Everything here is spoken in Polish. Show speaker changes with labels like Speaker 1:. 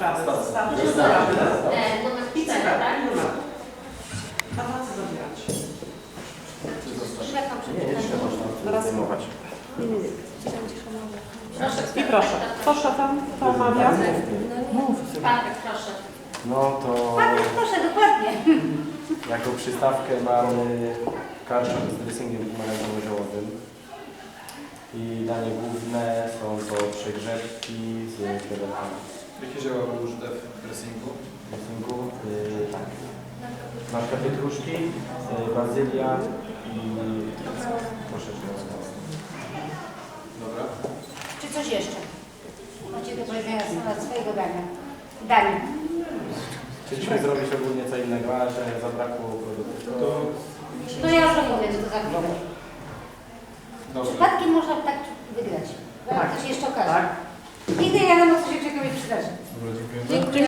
Speaker 1: sprawy. Zostały.
Speaker 2: Numer 4, tak?
Speaker 1: A na co zabierać?
Speaker 2: Szefam
Speaker 3: Nie, jeszcze można zajmować.
Speaker 2: Proszę.
Speaker 1: I proszę. Kto szefem? Kto omawia?
Speaker 2: Patryk, proszę.
Speaker 3: No to
Speaker 2: Patryk, proszę, dokładnie.
Speaker 3: jako przystawkę mamy karczak z dressingiem pomarańczowym ziołowym. I danie główne są to przegrzebki z krewetami.
Speaker 4: Jakie zioła były użyte w dressingu?
Speaker 3: Dressingu, tak. Na przykład pietruszki, bazylia i troszeczkę octu.
Speaker 4: Dobra.
Speaker 2: Czy coś jeszcze? Macie do powiedzenia na temat swojego dania. Dania.
Speaker 3: Chcieliśmy zrobić ogólnie co innego, ale że zabrakło produktów.
Speaker 2: To ja już opowiem, to za chwilę.
Speaker 4: Dobra.
Speaker 2: Przypadkiem można tak wygrać.
Speaker 1: Tak.
Speaker 2: Ktoś jeszcze okaże.
Speaker 1: Tak.
Speaker 2: Nigdy nie wiadomo, co się czego mi przydarzy.
Speaker 4: Dobra, dziękujemy.